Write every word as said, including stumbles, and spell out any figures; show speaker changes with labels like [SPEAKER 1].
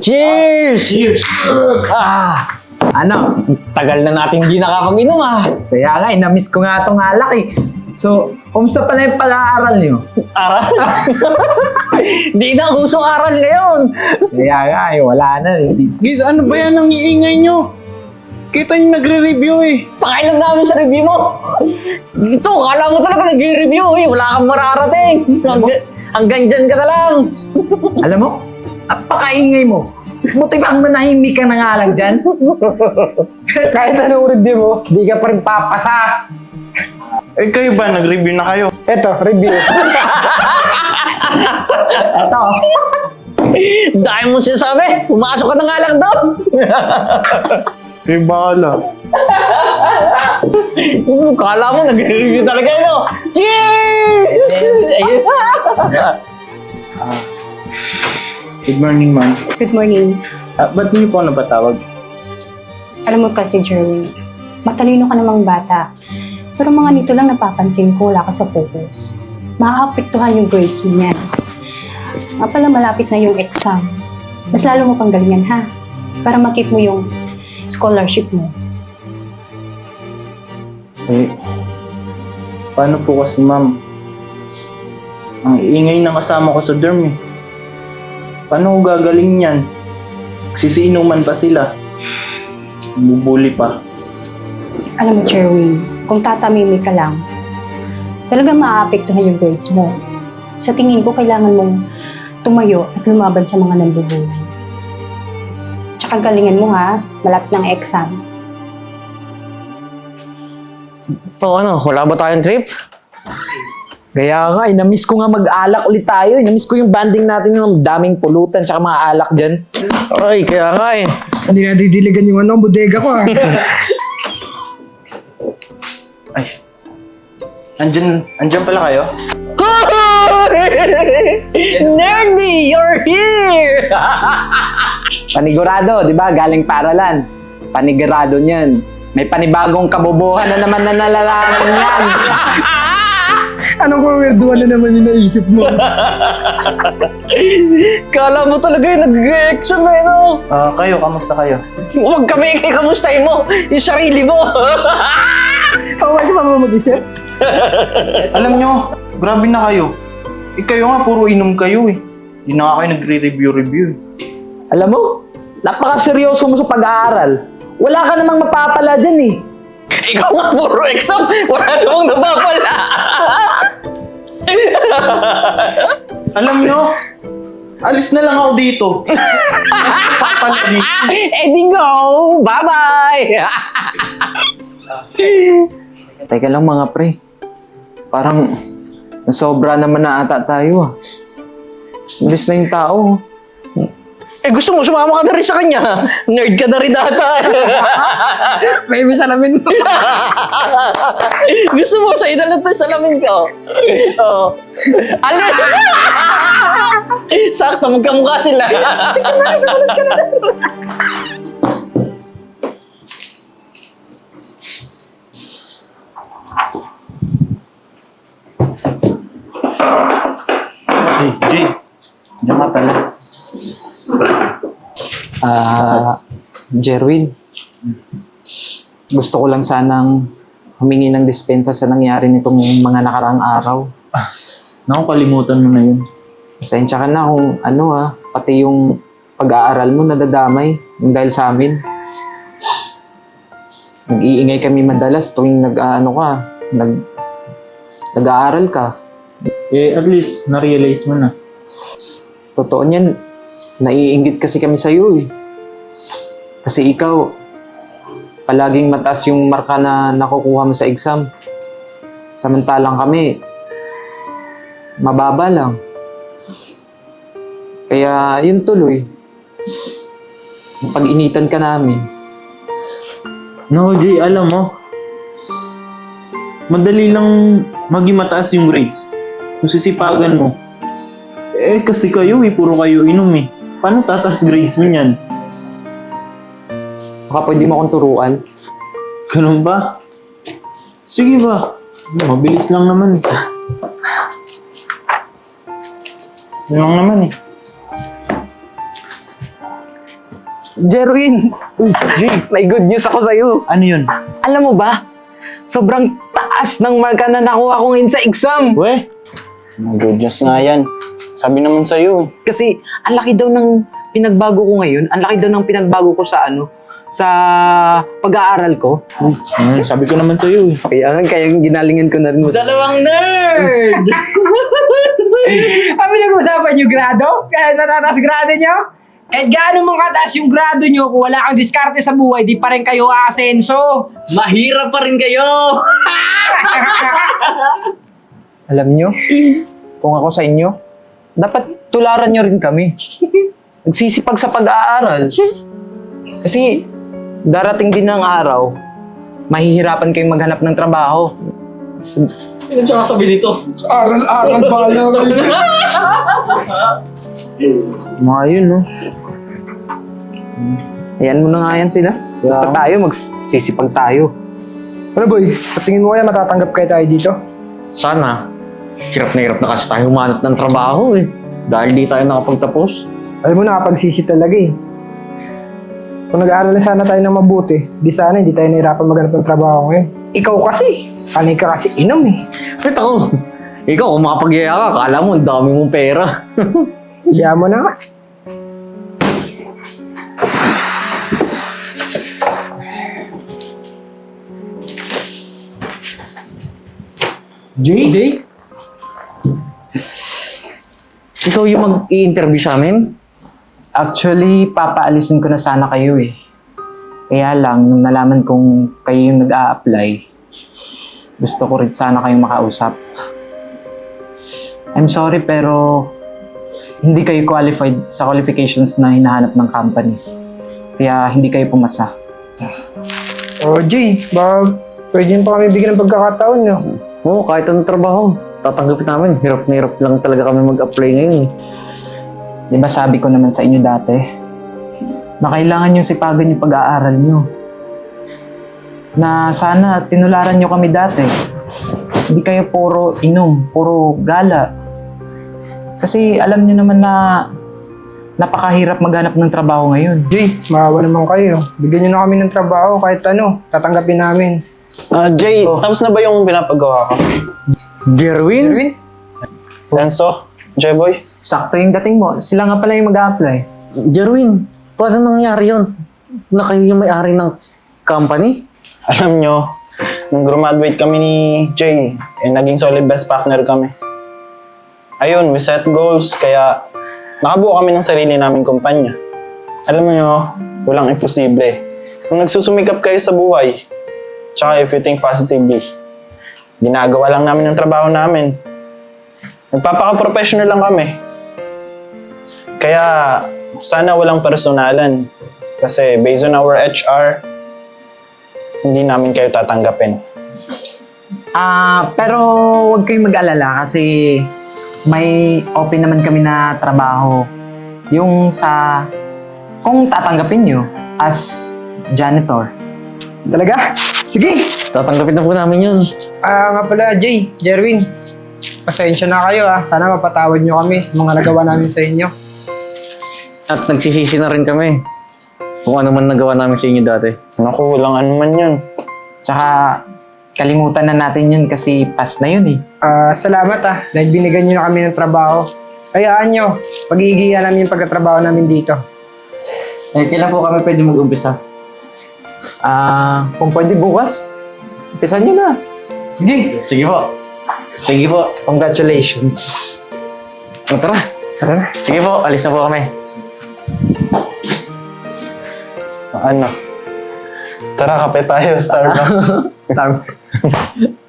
[SPEAKER 1] Cheers!
[SPEAKER 2] Cheers!
[SPEAKER 1] Ah!
[SPEAKER 3] Ano?
[SPEAKER 1] Tagal na natin hindi nakapag-inom ah.
[SPEAKER 3] Kaya nga, eh, na-miss ko nga itong alak eh. So, kumusta pala yung pag-aaral niyo?
[SPEAKER 1] Aral? Di na usong aral ngayon.
[SPEAKER 3] Kaya nga, eh, wala na. Eh.
[SPEAKER 2] Guys, ano ba yan ang iingay nyo? Kita yung nagre-review eh.
[SPEAKER 1] Pakialam namin sa review mo. Ito, kala mo talaga nag-review eh. Wala kang mararating. Hanggang, hanggang dyan ka na lang.
[SPEAKER 3] Alam mo, napakaingay mo. Buti bang manahimik ka na nga lang dyan?
[SPEAKER 4] Kahit anong review mo, di ka pa rin papasa.
[SPEAKER 2] Eh kayo ba, nag-review na kayo?
[SPEAKER 4] Eto, review.
[SPEAKER 3] Eto,
[SPEAKER 1] Dahil mo sinasabi, pumasok ka na nga lang doon.
[SPEAKER 2] Eh bahala.
[SPEAKER 1] Kala mo nag-review talaga ito. Cheers! Ayun.
[SPEAKER 2] Good morning, ma'am.
[SPEAKER 5] Good morning.
[SPEAKER 2] Ah, ba't niyo po ako napatawag?
[SPEAKER 5] Alam mo kasi, Jerwin, matalino ka namang bata. Pero mga nito lang napapansin ko, wala ka sa focus. Makakapektuhan yung grades mo niyan. Nga pala malapit na yung exam. Mas lalo mo pang galingan, ha? Para makip mo yung scholarship mo.
[SPEAKER 2] Eh, paano po kasi, ma'am? Ang iingay ng kasama ko sa dorm eh. Paano ko gagaling yan? Sisiinuman pa sila. Bubuli pa.
[SPEAKER 5] Alam mo, Jerwin, kung tatamimi ka lang, talagang maaapektuhan yung grades mo. Sa tingin ko, kailangan mong tumayo at lumaban sa mga nambubuli. Tsaka galingan mo, ha? Malapit ng exam.
[SPEAKER 1] So ano, wala ba tayong trip?
[SPEAKER 3] kaya nga, eh, na-miss ko nga mag-alak ulit tayo. Eh. Na-miss ko yung banding natin ng daming pulutan tsaka mga alak dyan.
[SPEAKER 1] Ay, kaya nga eh.
[SPEAKER 4] Hindi na didiligan yung ano, bodega ko ah.
[SPEAKER 2] Ay. Andyan, andyan pala kayo?
[SPEAKER 1] Nerdy, you're here!
[SPEAKER 3] Panigurado, di ba? Galing paralan. Panigurado niyan. May panibagong kabubuhan na naman na nalalaman yan.
[SPEAKER 4] Anong weirduan na naman yung naisip mo?
[SPEAKER 1] Kala mo talaga yung nag-exam eh, no?
[SPEAKER 2] Ah, kayo, kamusta kayo?
[SPEAKER 1] Huwag kami ikamustahin mo yung sarili mo.
[SPEAKER 4] Ako ba mo mag-isip?
[SPEAKER 2] Alam nyo, grabe na kayo. Eh kayo nga, puro inom kayo eh. Hindi na nga kayo nagre-review-review eh.
[SPEAKER 3] Alam mo, napakaseryoso mo sa pag-aaral. Wala ka namang mapapala dyan eh.
[SPEAKER 1] Ikaw nga puro exam, wala namang nababala.
[SPEAKER 2] Alam nyo, alis na lang ako dito. Papala dito.
[SPEAKER 1] Eh di go, bye-bye.
[SPEAKER 3] Teka lang mga pre. Parang nasobra naman na ata tayo ah. Imbis na yung tao.
[SPEAKER 1] Eh gusto mo, sumama ka na rin sa kanya. Nerd ka na rin ata.
[SPEAKER 4] May may salamin mo.
[SPEAKER 1] Gusto mo, sa idol to salamin ko. Oo. Ano? Sakto, magkamukha sila.
[SPEAKER 2] Hey, Jay. Diyan ka pala.
[SPEAKER 3] Ah, Jerwin. Gusto ko lang sanang humingi ng dispensa sa nangyari nitong mga nakaraang araw.
[SPEAKER 2] Naku, kalimutan mo na yun.
[SPEAKER 3] Pasensya ka na kung ano ah, pati yung pag-aaral mo nadadamay yung dahil sa amin. Nag-iingay kami madalas tuwing nag-ano ka, nag, nag-aaral ka.
[SPEAKER 2] Eh, at least, na-realize mo na.
[SPEAKER 3] Totoo niyan, naiinggit kasi kami sa'yo eh. Kasi ikaw, palaging mataas yung marka na nakukuha mo sa exam. Samantalang kami, mababa lang. Kaya yun tuloy. Pag-initan ka namin.
[SPEAKER 2] No, Jay, alam mo, madali lang maging mataas yung grades. Kung sisipagan mo. Eh, kasi kayo eh, puro kayo inom eh. Paano tataas grades mo yan?
[SPEAKER 3] Baka pwede mo akong turuan.
[SPEAKER 2] Ganun ba? Sige ba? Mabilis lang naman eh. Yun lang naman eh.
[SPEAKER 3] Jerwin,
[SPEAKER 2] Jay,
[SPEAKER 3] may good news ako sa'yo.
[SPEAKER 2] ano yun?
[SPEAKER 3] Alam mo ba, sobrang taas ng marka na nakuha ko ngayon sa exam.
[SPEAKER 2] We, good news nga yan. Sabi naman sa'yo eh.
[SPEAKER 3] Kasi ang laki daw ng pinagbago ko ngayon, ang laki daw ng pinagbago ko sa ano, sa pag-aaral ko.
[SPEAKER 2] Hmm, sabi ko naman sa'yo eh.
[SPEAKER 3] Kaya nga, kaya ginalingan ko na rin mo.
[SPEAKER 1] Dalawang nerd!
[SPEAKER 4] Kami nag-usapan yung grado? Kaya natataas grado nyo? Kahit gaano mong kataas yung grado nyo, kung wala kang diskarte sa buhay, di pa rin kayo aasenso.
[SPEAKER 1] Mahirap pa rin kayo!
[SPEAKER 3] Alam nyo, kung ako sa inyo, dapat tularan nyo rin kami. Nagsisipag sa pag-aaral. Kasi darating din ang araw, mahihirapan kayong maghanap ng trabaho.
[SPEAKER 1] Sino siya sabi dito?
[SPEAKER 4] Aral-aral ba lang?
[SPEAKER 3] Mga yun, no? Ayan mo na nga yan sila. Basta tayo, magsisipag tayo.
[SPEAKER 4] Ano boy, sa tingin mo kaya matatanggap kayo tayo dito?
[SPEAKER 1] Sana. Hirap na hirap na kasi tayo humanap ng trabaho eh. Dahil di tayo nakapagtapos.
[SPEAKER 4] Alam mo, nakapagsisi talaga eh. Kung nag-aaral na sana tayo ng mabuti, di sana hindi tayo nahirapan maghanap ng trabaho ngayon. Ikaw kasi, kanay ka kasi inom eh.
[SPEAKER 1] Wait ako. Ikaw, kung makapagyaya ka, akala mo ang dami mong pera.
[SPEAKER 4] Hiya mo na nga.
[SPEAKER 2] Jay?
[SPEAKER 4] Jay?
[SPEAKER 1] Ikaw yung mag-i-interview sa amin?
[SPEAKER 3] Actually, papaalisin ko na sana kayo eh. Kaya lang, nung nalaman kong kayo yung nag-a-apply, gusto ko rin sana kayong makausap. I'm sorry pero hindi kayo qualified sa qualifications na hinahanap ng company. Kaya hindi kayo pumasa.
[SPEAKER 4] Oh Jay, baka pwede pa kami bigyan ng pagkakataon nyo.
[SPEAKER 1] Oo, kahit anong trabaho. Tatanggapin namin. Hirap na hirap lang talaga kami mag-apply ngayon.
[SPEAKER 3] Di ba sabi ko naman sa inyo dati, na kailangan yung sipagan yung pag-aaral nyo. Na sana tinularan nyo kami dati. Hindi kayo puro inom, puro gala. Kasi alam nyo naman na napakahirap maghanap ng trabaho ngayon.
[SPEAKER 4] Jay, maawa naman kayo. Bigyan nyo na kami ng trabaho kahit ano, tatanggapin namin.
[SPEAKER 2] Ah, Jay, tapos na ba yung pinapagawa ko?
[SPEAKER 1] Jerwin?
[SPEAKER 4] Erwin?
[SPEAKER 2] Enzo? J-Boy?
[SPEAKER 3] Sakto yung dating mo. Sila nga pala yung mag-a-apply.
[SPEAKER 1] Jerwin, paano nangyari yun? Na kayo yung may-ari ng company?
[SPEAKER 2] Alam nyo, nung graduate kami ni Jay, eh, naging solid best partner kami. Ayun, we set goals, kaya nakabuo kami ng sarili naming kumpanya. Alam mo nyo, walang imposible. Kung nagsusumikap kayo sa buhay, tsaka if you think positively, ginagawa lang namin ang trabaho namin. Nagpapaka-professional lang kami. Kaya sana walang personalan. Kasi based on our H R, hindi namin kayo tatanggapin.
[SPEAKER 3] Ah, pero huwag kayong mag-alala kasi may open naman kami na trabaho. Yung sa kung tatanggapin nyo as janitor.
[SPEAKER 4] Talaga? Sige!
[SPEAKER 1] Tatanggapin na po namin yun.
[SPEAKER 4] Ah, nga pala, Jay, Jerwin. Pasensya na kayo ah. Sana mapatawad nyo kami sa mga nagawa namin sa inyo.
[SPEAKER 1] At nagsisisi na rin kami. Kung ano man nagawa namin sa inyo dati.
[SPEAKER 2] Naku, walang ano man yun.
[SPEAKER 3] Tsaka kalimutan na natin yun kasi past na yun eh.
[SPEAKER 4] Ah, salamat ah. Dahil binigyan nyo na kami ng trabaho. Hayaan nyo. Pag-iigihan namin yung pagkatrabaho namin dito.
[SPEAKER 1] Eh, kailan po kami pwede mag-umpisa?
[SPEAKER 3] Ah, kung pwede bukas, umpisan nyo na.
[SPEAKER 1] Sige. Sige po. Sige po.
[SPEAKER 3] Congratulations.
[SPEAKER 1] O, tara.
[SPEAKER 4] Tara na.
[SPEAKER 1] Sige po, alis na po kami.
[SPEAKER 2] Ano? Tara, kape tayo, Starbucks.
[SPEAKER 3] Tama.